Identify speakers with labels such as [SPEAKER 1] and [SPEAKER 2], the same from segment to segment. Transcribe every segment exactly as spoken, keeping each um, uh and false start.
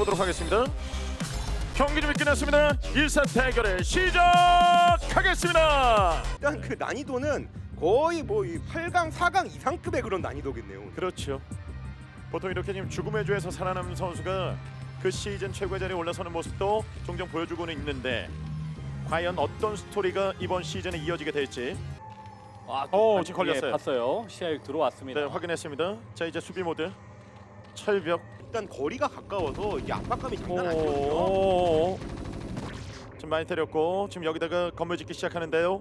[SPEAKER 1] 보도록 하겠습니다. 경기 준비 끝났습니다. 일 사 대결을 시작하겠습니다.
[SPEAKER 2] 일단 그 난이도는 거의 뭐 이 팔 강, 사 강 이상급의 그런 난이도겠네요.
[SPEAKER 1] 그렇죠. 보통 이렇게 지금 죽음의 조에서 살아남은 선수가 그 시즌 최고의 자리에 올라서는 모습도 종종 보여주고는 있는데 과연 어떤 스토리가 이번 시즌에 이어지게 될지
[SPEAKER 3] 아,
[SPEAKER 1] 어,
[SPEAKER 3] 그,
[SPEAKER 1] 지금 걸렸어요.
[SPEAKER 3] 예, 봤어요. 시야에 들어왔습니다.
[SPEAKER 1] 네, 확인했습니다. 자, 이제 수비 모드 철벽.
[SPEAKER 2] 일단 거리가 가까워서 이 압박감이 장난 아니거든요.
[SPEAKER 1] 오, 지금 많이 때렸고 지금 여기다가 건물 짓기 시작하는데요.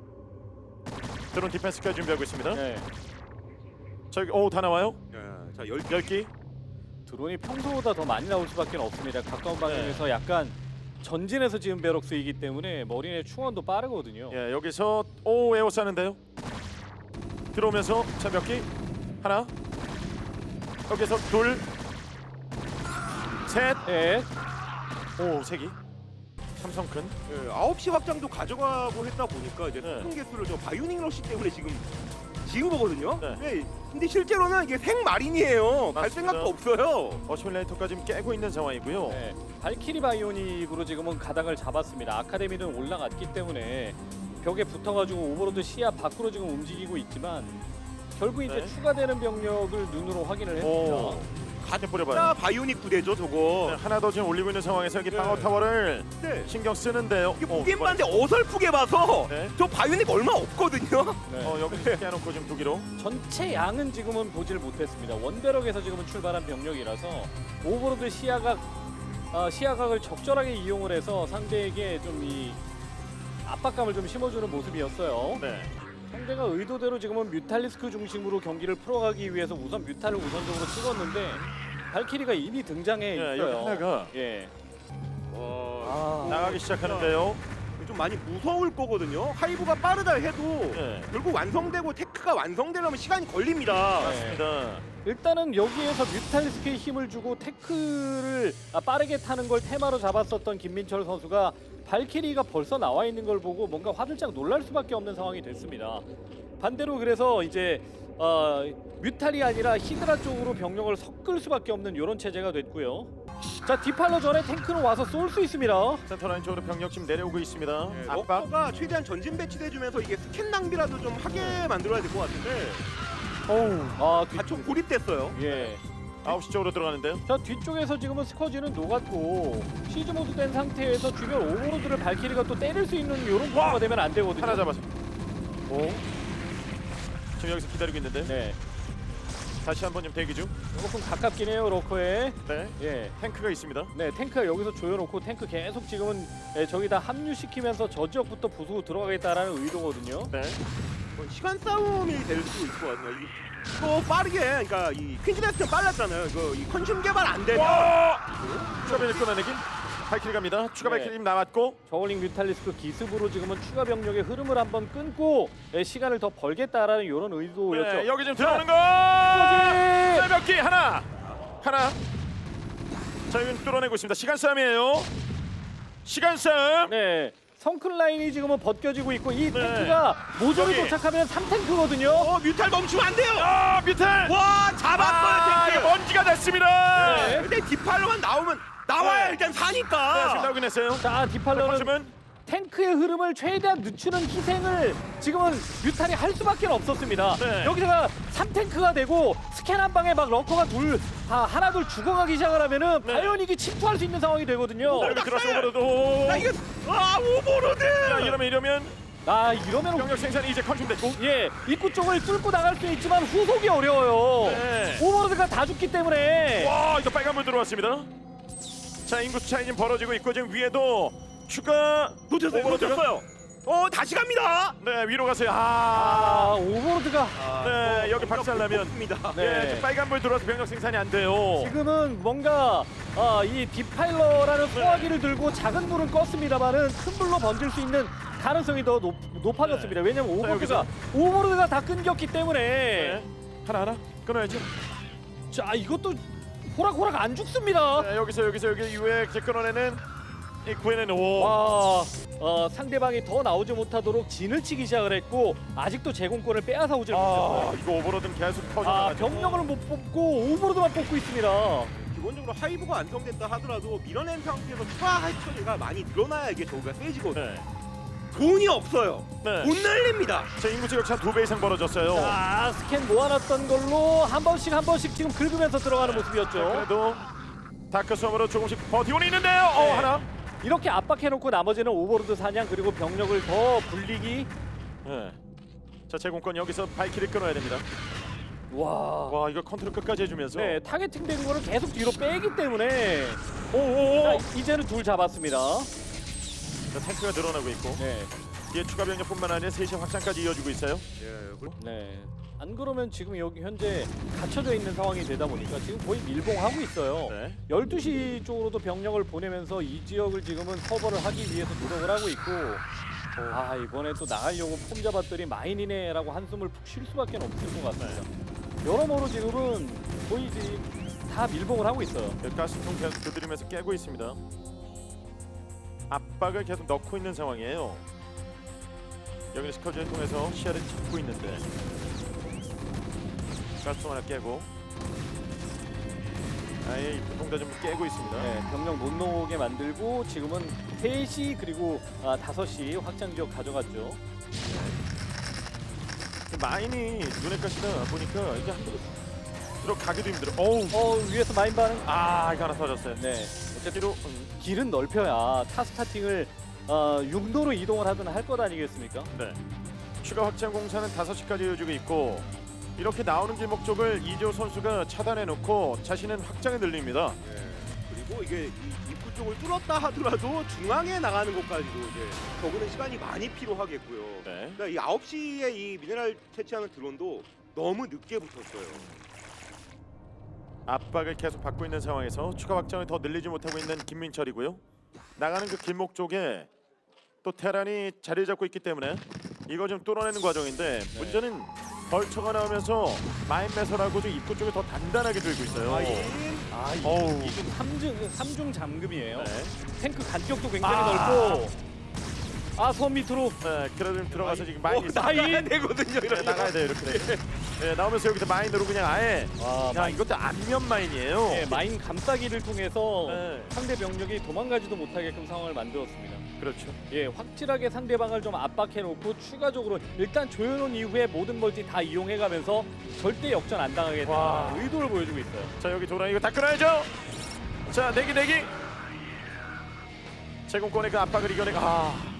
[SPEAKER 1] 드론 디펜스까지 준비하고 있습니다.
[SPEAKER 3] 네.
[SPEAKER 1] 저기 오, 다 나와요.
[SPEAKER 2] 예, 자, 열
[SPEAKER 1] 열 기.
[SPEAKER 3] 드론이 평소보다 더 많이 나올 수밖에 없습니다. 가까운 방향에서
[SPEAKER 1] 네.
[SPEAKER 3] 약간 전진해서 지은 베럭스이기 때문에 머리의 충원도 빠르거든요.
[SPEAKER 1] 예, 여기서 오 에어 싸는데요. 들어오면서 자 몇 기? 하나. 여기서 둘, 셋,
[SPEAKER 3] 네.
[SPEAKER 1] 오 세 기. 삼성 큰.
[SPEAKER 2] 예, 아홉 시 확장도 가져가고 했다 보니까 이제
[SPEAKER 1] 네.
[SPEAKER 2] 큰 개수를 저 바이오닉 러시 때문에 지금 지은 거거든요.
[SPEAKER 1] 네.
[SPEAKER 2] 예, 근데 실제로는 이게 생마린이에요. 갈
[SPEAKER 1] 맞습니다.
[SPEAKER 2] 생각도 없어요.
[SPEAKER 1] 어시밀레이터까지 지금 깨고 있는 상황이고요.
[SPEAKER 3] 네. 발키리 바이오닉으로 지금은 가닥을 잡았습니다. 아카데미는 올라갔기 때문에 벽에 붙어가지고 오버로드 시야 밖으로 지금 움직이고 있지만 결국 이제
[SPEAKER 1] 네.
[SPEAKER 3] 추가되는 병력을 눈으로 확인을 했습니다.
[SPEAKER 1] 오, 가득 뿌려봐요.
[SPEAKER 2] 자, 바이오닉 부대죠, 저거.
[SPEAKER 1] 네, 하나 더 지금 올리고 있는 상황에서 여기
[SPEAKER 2] 네.
[SPEAKER 1] 방어 타워를
[SPEAKER 2] 네.
[SPEAKER 1] 신경 쓰는데요.
[SPEAKER 2] 이게
[SPEAKER 1] 어,
[SPEAKER 2] 보기엔 봤는데 어설프게 봐서
[SPEAKER 1] 네.
[SPEAKER 2] 저 바이오닉 얼마 없거든요.
[SPEAKER 3] 네.
[SPEAKER 1] 어, 여기 깨놓고 지금 두 기로.
[SPEAKER 3] 전체 양은 지금은 보질 못했습니다. 원베럭에서 지금은 출발한 병력이라서 오버로드 시야각 어, 시야각을 적절하게 이용을 해서 상대에게 좀 이 압박감을 좀 심어주는 모습이었어요.
[SPEAKER 1] 네.
[SPEAKER 3] 상대가 의도대로 지금은 뮤탈리스크 중심으로 경기를 풀어가기 위해서 우선 뮤탈을 우선적으로 찍었는데 발키리가 이미 등장해
[SPEAKER 1] 예,
[SPEAKER 3] 있어요.
[SPEAKER 1] 여기 하나가
[SPEAKER 3] 예.
[SPEAKER 2] 어,
[SPEAKER 3] 아,
[SPEAKER 1] 나가기 시작하는데요.
[SPEAKER 2] 좀 많이 무서울 거거든요. 하이브가 빠르다 해도
[SPEAKER 1] 예.
[SPEAKER 2] 결국 완성되고 테크가 완성되려면 시간이 걸립니다.
[SPEAKER 3] 네.
[SPEAKER 1] 맞습니다.
[SPEAKER 3] 일단은 여기에서 뮤탈리스크에 힘을 주고 태클을 아, 빠르게 타는 걸 테마로 잡았었던 김민철 선수가 발키리가 벌써 나와 있는 걸 보고 뭔가 화들짝 놀랄 수밖에 없는 상황이 됐습니다. 반대로 그래서 이제 어, 뮤탈이 아니라 히드라 쪽으로 병력을 섞을 수밖에 없는 이런 체제가 됐고요. 자, 디팔러 전에 탱크는 와서 쏠 수 있습니다.
[SPEAKER 1] 센터라인 쪽으로 병력 지금 내려오고 있습니다.
[SPEAKER 2] 네,
[SPEAKER 1] 압박.
[SPEAKER 2] 러커가 최대한 전진 배치돼주면서 이게 스캔 낭비라도 좀 하게 만들어야 될 것 같은데
[SPEAKER 1] 어우.
[SPEAKER 3] 아, 뒤,
[SPEAKER 2] 가총 고립됐어요.
[SPEAKER 3] 예.
[SPEAKER 1] 아홉 시 쪽으로 들어가는데요.
[SPEAKER 3] 자, 뒤쪽에서 지금은 스커지는 녹았고 시즈 모드 된 상태에서 주변 오버로드를 발키리가 또 때릴 수 있는 이런 구조가 되면 안 되거든요.
[SPEAKER 1] 하나 잡아서.
[SPEAKER 3] 오.
[SPEAKER 1] 지금 여기서 기다리고 있는데.
[SPEAKER 3] 네.
[SPEAKER 1] 다시 한번 좀 대기 중.
[SPEAKER 3] 조금 가깝긴 해요, 러커에.
[SPEAKER 1] 네.
[SPEAKER 3] 예.
[SPEAKER 1] 탱크가 있습니다.
[SPEAKER 3] 네, 탱크가 여기서 조여놓고 탱크 계속 지금은 예, 저기다 합류시키면서 저 지역부터 부수고 들어가겠다라는 의도거든요.
[SPEAKER 1] 네.
[SPEAKER 2] 뭐 시간 싸움이 될 수도 있을 것 같아요. 이거 빠르게, 그러니까 이 퀸즈레스는 빨랐잖아요. 이거 이 컨슘 개발 안 되면
[SPEAKER 1] 와! 추가변이 끊어내기. 발키리 갑니다. 추가
[SPEAKER 3] 네.
[SPEAKER 1] 발키리 지금 나왔고.
[SPEAKER 3] 저울링 뮤탈리스크 기습으로 지금은 추가 병력의 흐름을 한번 끊고 예, 시간을 더 벌겠다라는 이런 의도였죠.
[SPEAKER 1] 네, 여기 지금 들어오는 거.
[SPEAKER 3] 스커지!
[SPEAKER 1] 몇 기? 하나. 하나. 자, 여기 뚫어내고 있습니다. 시간 싸움이에요. 시간 싸움.
[SPEAKER 3] 네. 성큰 라인이 지금은 벗겨지고 있고 이
[SPEAKER 1] 네.
[SPEAKER 3] 탱크가 모조리
[SPEAKER 1] 여기.
[SPEAKER 3] 도착하면 삼 탱크거든요.
[SPEAKER 2] 어, 뮤탈 멈추면 안 돼요.
[SPEAKER 1] 아, 밑에.
[SPEAKER 2] 와, 잡았어요,
[SPEAKER 1] 아,
[SPEAKER 2] 탱크.
[SPEAKER 1] 이거 먼지가 됐습니다.
[SPEAKER 3] 네.
[SPEAKER 2] 근데 디팔로만 나오면 나와야
[SPEAKER 1] 네.
[SPEAKER 2] 일단
[SPEAKER 1] 네, 지금
[SPEAKER 2] 사니까.
[SPEAKER 1] 나오긴 했어요.
[SPEAKER 3] 자, 디팔러는
[SPEAKER 1] 컨슘은
[SPEAKER 3] 탱크의 흐름을 최대한 늦추는 희생을 지금은 뮤탈이 할 수밖에 없었습니다.
[SPEAKER 1] 네.
[SPEAKER 3] 여기다가 삼 탱크가 되고 스캔 한 방에 막 러커가 둘, 아, 하나 둘 죽어가기 시작을 하면은
[SPEAKER 1] 네.
[SPEAKER 3] 바이오닉이 침투할 수 있는 상황이 되거든요.
[SPEAKER 1] 자, 여기 들어서 오버로드.
[SPEAKER 2] 나 이거 아, 오버로드.
[SPEAKER 1] 자, 이러면 이러면
[SPEAKER 3] 아, 이러면
[SPEAKER 1] 병력 생산이 이제 컨슘됐고.
[SPEAKER 3] 예, 입구 쪽을 뚫고 나갈 수 있지만 후속이 어려워요.
[SPEAKER 1] 네.
[SPEAKER 3] 오버로드가 다 죽기 때문에.
[SPEAKER 1] 와, 이거 빨간불 들어왔습니다. 자, 인구수 차이 지금 벌어지고 있고 지금 위에도 추가
[SPEAKER 2] 놓쳤어요.
[SPEAKER 1] 오버로드가-
[SPEAKER 2] 놓쳤어요. 어, 다시 갑니다.
[SPEAKER 1] 네, 위로 가세요. 아,
[SPEAKER 3] 아, 오버로드가
[SPEAKER 1] 네, 여기 박살나면
[SPEAKER 2] 입니다.
[SPEAKER 3] 네.
[SPEAKER 1] 예, 지금 빨간불 들어와서 병력 생산이 안 돼요.
[SPEAKER 3] 지금은 뭔가 아, 이 디파일러라는 소화기를 들고 작은 불은 껐습니다만은 큰 불로 번질 수 있는 가능성이 더 높, 높아졌습니다. 왜냐면 오버로드가
[SPEAKER 1] 여기서.
[SPEAKER 3] 오버로드가 다 끊겼기 때문에
[SPEAKER 1] 네. 하나 하나 끊어야죠.
[SPEAKER 3] 자, 이것도 호락호락 안 죽습니다.
[SPEAKER 1] 네, 여기서 여기서 여기 이후에 이제 끊어내는 이 구해내는 오.
[SPEAKER 3] 와, 어, 상대방이 더 나오지 못하도록 진을 치기 시작을 했고 아직도 제공권을 빼앗아 오질
[SPEAKER 1] 아,
[SPEAKER 3] 못했어요.
[SPEAKER 1] 이거 오버로드는 계속
[SPEAKER 3] 아,
[SPEAKER 1] 터져가지고.
[SPEAKER 3] 병력을 못 뽑고 오버로드만 뽑고 있습니다.
[SPEAKER 2] 기본적으로 하이브가 완성됐다 하더라도 밀어낸 상태에서 추가 하이브 처리가 많이 늘어나야 이게 저우가 세지거든요.
[SPEAKER 1] 네.
[SPEAKER 2] 돈이 없어요.
[SPEAKER 1] 네.
[SPEAKER 2] 못 날립니다.
[SPEAKER 1] 자, 인구 지역차 두 배 이상 벌어졌어요.
[SPEAKER 3] 자, 스캔 모아놨던 걸로 한 번씩 한 번씩 지금 긁으면서 들어가는
[SPEAKER 1] 자,
[SPEAKER 3] 모습이었죠.
[SPEAKER 1] 그래도 다크 수험으로 조금씩 버티고는 있는데요. 어,
[SPEAKER 3] 네.
[SPEAKER 1] 하나.
[SPEAKER 3] 이렇게 압박해놓고 나머지는 오버로드 사냥 그리고 병력을 더 불리기.
[SPEAKER 1] 네. 자, 제공권 여기서 발키를 끊어야 됩니다.
[SPEAKER 3] 와.
[SPEAKER 1] 와, 이거 컨트롤 끝까지 해주면서.
[SPEAKER 3] 네, 타겟팅된 거를 계속 뒤로 빼기 때문에
[SPEAKER 1] 오오오.
[SPEAKER 3] 자, 이제는 둘 잡았습니다.
[SPEAKER 1] 자, 탱크가 늘어나고 있고
[SPEAKER 3] 네,
[SPEAKER 1] 뒤에 추가 병력뿐만 아니라 셋이 확장까지 이어지고 있어요.
[SPEAKER 2] 예, 그리고
[SPEAKER 3] 네. 안 그러면 지금 여기 현재 갇혀져 있는 상황이 되다 보니까 지금 거의 밀봉하고 있어요.
[SPEAKER 1] 네.
[SPEAKER 3] 열두 시 쪽으로도 병력을 보내면서 이 지역을 지금은 커버를 하기 위해서 노력을 하고 있고 아 이번에 또 나가려고 폼 잡았더니 마인이네라고 한숨을 푹 쉴 수밖에 없을 것 같습니다. 여러모로 지금은 거의 지금 다 밀봉을 하고 있어요.
[SPEAKER 1] 그 가스통 계속 두드리면서 깨고 있습니다. 압박을 계속 넣고 있는 상황이에요. 여기는 스커즈를 통해서 시야를 잡고 있는데 가스통 하나 깨고 아예 입구 통다 좀 깨고 있습니다.
[SPEAKER 3] 네, 병력 못 나오게 만들고 지금은 세 시 그리고 아, 다섯 시 확장 지역 가져갔죠.
[SPEAKER 1] 그 마인이 눈에 까시다 보니까 이게 한 번도 들어가기도 힘들어. 어우.
[SPEAKER 3] 어 위에서 마인 반응.
[SPEAKER 1] 아, 이거 하나 터졌어요.
[SPEAKER 3] 네.
[SPEAKER 1] 뒤로 음,
[SPEAKER 3] 길은 넓혀야 타 스타팅을 어, 육로로 이동을 하든 할 것 아니겠습니까?
[SPEAKER 1] 네. 추가 확장 공사는 다섯 시까지 이어지고 있고 이렇게 나오는 길목 쪽을 이재호 선수가 차단해 놓고 자신은 확장에 늘립니다.
[SPEAKER 2] 예, 그리고 이게 이 입구 쪽을 뚫었다 하더라도 중앙에 나가는 것까지도 이제 적는 시간이 많이 필요하겠고요.
[SPEAKER 1] 네.
[SPEAKER 2] 그러니까 이 아홉 시에 이 미네랄 채취하는 드론도 너무 늦게 붙었어요.
[SPEAKER 1] 압박을 계속 받고 있는 상황에서 추가 확장을 더 늘리지 못하고 있는 김민철이고요. 나가는 그 길목 쪽에 또 테란이 자리 잡고 있기 때문에 이거 좀 뚫어내는 과정인데
[SPEAKER 3] 네.
[SPEAKER 1] 문제는 벌처가 나오면서 마인 매설하고 좀 입구 쪽에 더 단단하게 들고 있어요.
[SPEAKER 2] 마인
[SPEAKER 3] 아, 이,
[SPEAKER 1] 어우.
[SPEAKER 3] 이 지금 삼중 삼중 잠금이에요.
[SPEAKER 1] 네.
[SPEAKER 3] 탱크 간격도 굉장히
[SPEAKER 1] 아.
[SPEAKER 3] 넓고 아, 섬 밑으로
[SPEAKER 1] 네, 그래도 좀 들어가서 지금
[SPEAKER 2] 어,
[SPEAKER 1] 마인이
[SPEAKER 2] 나가야 되거든요.
[SPEAKER 1] 네,
[SPEAKER 2] 이러면.
[SPEAKER 1] 나가야 돼요 이렇게. 돼. 네, 나오면서 여기서 마인으로 그냥 아예
[SPEAKER 3] 아,
[SPEAKER 1] 야
[SPEAKER 3] 마인,
[SPEAKER 1] 이것도 안면 마인이에요.
[SPEAKER 3] 예, 마인 감싸기를 통해서
[SPEAKER 1] 네.
[SPEAKER 3] 상대 병력이 도망가지도 못하게끔 상황을 만들었습니다.
[SPEAKER 1] 그렇죠.
[SPEAKER 3] 예, 확실하게 상대방을 좀 압박해놓고 추가적으로 일단 조여놓은 이후에 모든 멀티 다 이용해가면서 절대 역전 안 당하겠다는
[SPEAKER 1] 와.
[SPEAKER 3] 의도를 보여주고 있어요.
[SPEAKER 1] 자 여기 도라 이거 다 끊어야죠. 자 내기 내기. 제공권의 그 압박을 이겨내가. 아.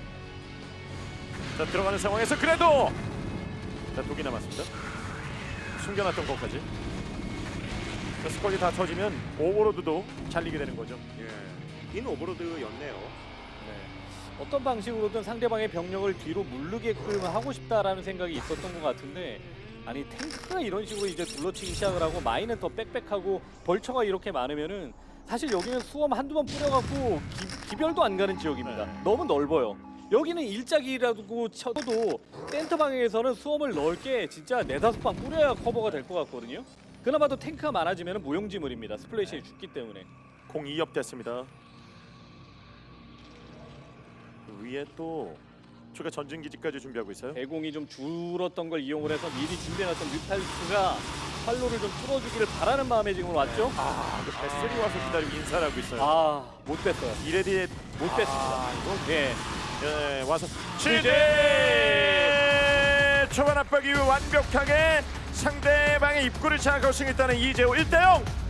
[SPEAKER 1] 자 들어가는 상황에서 그래도 자 독이 남았습니다. 숨겨놨던 것까지. 자, 스쿼지 다 터지면 오버로드도 잘리게 되는 거죠.
[SPEAKER 2] 예, 긴 오버로드였네요.
[SPEAKER 3] 네. 어떤 방식으로든 상대방의 병력을 뒤로 물르게끔 하고 싶다라는 생각이 있었던 것 같은데 아니 탱크가 이런 식으로 이제 둘러치기 시작을 하고 마인은 더 빽빽하고 벌처가 이렇게 많으면은 사실 여기는 수험 한두 번 뿌려갖고 기, 기별도 안 가는 지역입니다.
[SPEAKER 1] 네.
[SPEAKER 3] 너무 넓어요. 여기는 일작이라고 쳐도 센터 방향에서는 수험을 넓게 진짜 네다섯 방 뿌려야 커버가 될 것 같거든요. 그나마도 탱크가 많아지면 무용지물입니다. 스플래시에 죽기 때문에.
[SPEAKER 1] 공 이 업 됐습니다. 위에 또 추가 전진 기지까지 준비하고 있어요.
[SPEAKER 3] 대공이 좀 줄었던 걸 이용을 해서 미리 준비해놨던 뮤탈리스가 활로를 좀 뚫어주기를 바라는 마음에 지금 왔죠?
[SPEAKER 1] 아, 그 베슬이 와서 기다리고 인사를 하고 있어요.
[SPEAKER 3] 아, 못 뺐어요.
[SPEAKER 1] 이레디에
[SPEAKER 3] 못 뺐습니다.
[SPEAKER 1] 아, 이거
[SPEAKER 3] 예.
[SPEAKER 1] 예, 와서
[SPEAKER 3] 취재!
[SPEAKER 1] 취재! 초반 압박 이후 완벽하게 상대방의 입구를 장악하고 승리했다는 이재호 일 대 영